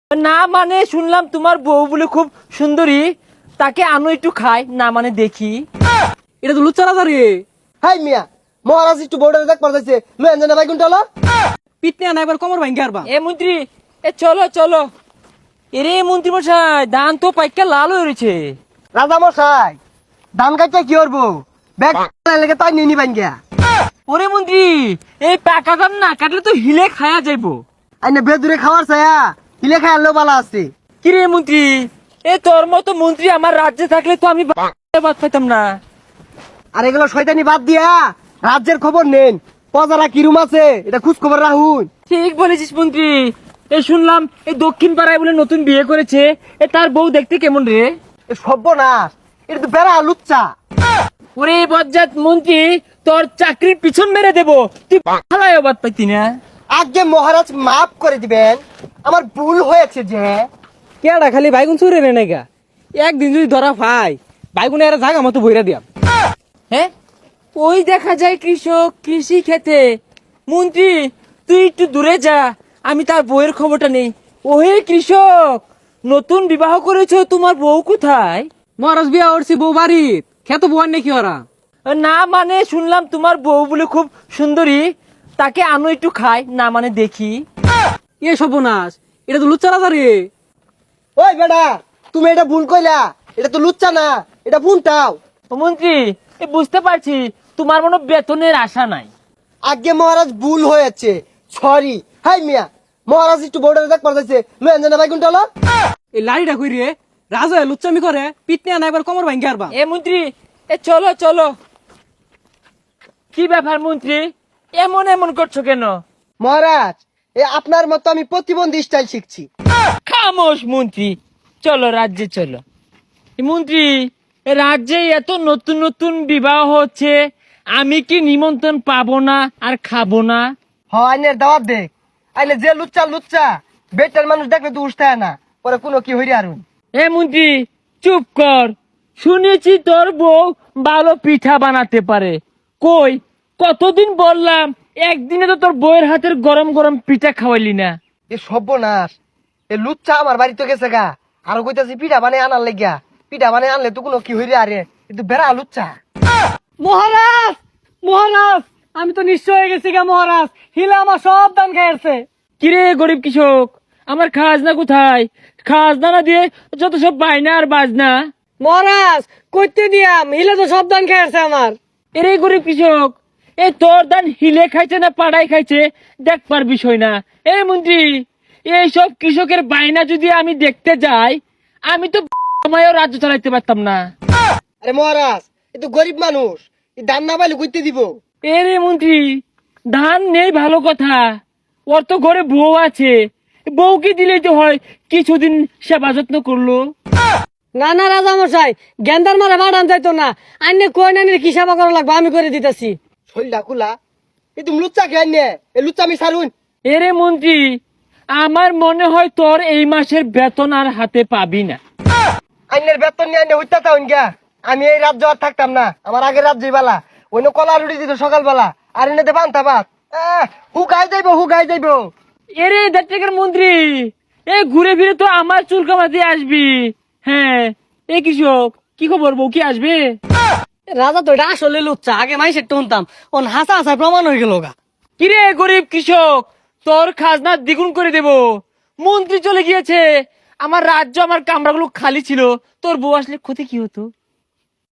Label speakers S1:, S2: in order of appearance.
S1: না মানে শুনলাম তোমার বউ বলে খুব সুন্দরী, তাকে আনো একটু খাই, না মানে দেখি।
S2: এটা তো লুচ্চা রাজা রে।
S3: হাই মিয়া, মহারাজ একটু বোর্ডারে দেখ পারতেছে লয়েন জানা ভাই কোনটা হলো?
S2: পিটনে আনা একবার কোমর ভাঙ্গে আরবা।
S1: এ মন্ত্রী, এ চলো চলো। এরে মন্ত্রী মশাই, ধান তো পাইকা লাল হয়ে রয়েছে।
S3: রাজা মশাই ধান কাটতে কি করবো? ব্যাগ লেগে তাই নিয়ে নিবেন গিয়া।
S1: ওরে মন্ত্রী, এই পাকা ধান না কাটলে তো হিলে খায়া যাইবো।
S3: আইনে বেদুরে খাওয়ার ছায়া হিলে খাই আনলেও ভালো আছে।
S1: কিরে মন্ত্রী, এ তোর মতো মন্ত্রী আমার রাজ্যে থাকলে তো আমি বাদ পাইতাম না।
S3: আর এগুলো শয়তানি বাদ দিয়া রাজ্যের খবর নেন। প্রজারা কিরুম আছে এটা খোঁজ খবর রাখুন।
S1: ঠিক বলেছিস মন্ত্রী। এ শুনলাম এই দক্ষিণ পাড়ায় বলে নতুন বিয়ে করেছে, এ তার বউ দেখতে কেমন রে?
S3: এ সর্বনাশ, এটা তো বেড়া লুচ্চা।
S1: ওরে বজ্জাত মন্ত্রী, তোর চাকরির পিছন মেরে দেবো, তুই পালায় বাদ পাইতি না।
S3: আগে মহারাজ মাফ করে দিবেন, আমার ভুল হয়েছে যে।
S2: কেডা খালি বাইগুন চুরে রে নাইগা। একদিন যদি ধরা পাই বাইগুনে এর জাগা মতো বইরা দিয়াম।
S1: হ্যাঁ, ওই দেখা যায় কৃষক কৃষি খেতে। মন্ত্রী তুই একটু দূরে যা, আমি তার বউয়ের খবরটা নেই। ওহে কৃষক, নতুন বিবাহ করেছো, তোমার বউ কোথায়?
S2: মহারাজ বিয়া করছি বউ বাড়িত, খেত বউয়ার নাকি ওরা।
S1: না মানে শুনলাম তোমার বউ বলে খুব সুন্দরী, তাকে আনো একটু খাই, না মানে দেখি।
S2: এ সর্বনাশ, এটা তো লুচ্চা রাজা রে।
S3: ওই বেটা, তুমি এটা ভুল কইলা, এটা তো লুচ্চা না, এটা ভুলটাও।
S1: ও মন্ত্রী, এ বুঝতে পারছি তোমার মনে বেতনের আশা নাই।
S3: আগে মহারাজ ভুল হয়েছে, সরি। হাই মিয়া, মহারাজ একটু বোর্ডারে দেখ পারতেছে লয়েন জানা ভাই কোনটা হলো?
S2: এই লাড়িটা কই রে, রাজা লুচ্চামি করে, পিটনে আনা একবার কোমর ভাঙ্গে আরবা।
S1: এ মন্ত্রী, এ চলো চলো। কি ব্যাপার মন্ত্রী, এমন এমন করছো কেন?
S3: মহারাজ এ আপনার মতো আমি প্রতিবন্ধী স্টাইল শিখছি।
S1: খামোশ মন্ত্রী, চলো রাজ্যে চলো। এ মন্ত্রী, এ রাজ্যে এত নতুন নতুন বিবাহ হচ্ছে, আমি কি নিমন্ত্রণ পাবো না আর খাবো না?
S3: আইনের দাওয়াত দেখ, আইনে যে লুচ্চা লুচ্চা বেটার মানুষ দেখলে তো উঠতে না, পরে কোনো কি হইরে আরুন।
S1: এ মন্ত্রী চুপ কর, শুনেছি তোর বউ ভালো পিঠা বানাতে পারে। কই, কতদিন বললাম, একদিনে তো তোর বউয়ের হাতের গরম গরম পিঠা খাওয়াইলি না।
S3: এ সর্বনাশ, এ লুচ্চা আমার বাড়িতে গেছে গা, আরো কইতাছি পিঠা বানাই আনার লাগিয়া। পিঠা বানাই আনলে তো কোনো কি হইরে আরে, কিন্তু বেড়া লুচ্চা।
S2: মহারাজ, মহারাজ, আমি তো নিশ্চয় হয়ে গেছি গা মহারাজ, হিলা আমার সব দান খাইছে।
S1: কিরে গরিব কৃষক, আমার খাজনা কোথায়? খাজনা না দিয়ে যত সব বায়না আর বাজনা।
S2: মহারাজ কইতে দিয়াম, হিলা তো সব দান খাইছে আমার।
S1: এরে গরিব কৃষক, এই তোর দান হিলে খাইছে না পাড়াই খাইছে দেখবার বিষয় না। এই মন্ত্রী, এইসব কৃষকের বায়না যদি আমি দেখতে যাই, আমি তো সময়ও রাজ্য চালাইতে পারতাম না।
S3: আরে মহারাজ এ তো গরিব মানুষ, এই দাম না পাইলে কইতে দিব।
S1: এরে মন্ত্রী, ধান নেই ভালো কথা, ওর তো ঘরে বউ আছে, বউকে দিলেই তো হয়, কিছুদিন সেবা যত্ন করলো।
S2: না না রাজা মশাই, গেন্দার মারা বাড়ান যাইতো না। আইনে কই নানির কি সেবা করা লাগবে আমি করে দিতেছি।
S3: শৈলটা খোলা, এই তুমি লুচ্চা খেয়ে নে, এই লুচ্চা আমি সারুন।
S1: এরে মন্ত্রী, আমার মনে হয় তোর এই মাসের বেতন আর হাতে পাবি না।
S3: আইনের বেতন নিয়ে আইনে হইতা তাউন গা, আমি এই রাজ্য আর থাকতাম না, আমার আগের রাজ্যই বালা। অন্য কলা রুটি দিত সকালবেলা, আর এনে বান্তা ভাত। হুকাই যাইব হুকাই যাইব।
S1: এরে দেড়টাকার মন্ত্রী, এ ঘুরে ফিরে তো আমার চুল কামাতে আসবি। হ্যাঁ, এ কৃষক, কি খবর, বউ কি আসবে?
S2: রাজা তো এটা আসলে লুচ্চা, আগে মাইসের টনতাম, ওন হাসা হাসায় প্রমাণ হয়ে গেল গা।
S1: কিরে গরিব কৃষক, তোর খাজনা দ্বিগুণ করে দেব। মন্ত্রী চলে গিয়েছে, আমার রাজ্য আমার কামরাগুলো খালি ছিল, তোর বউ আসলে ক্ষতি কি হতো?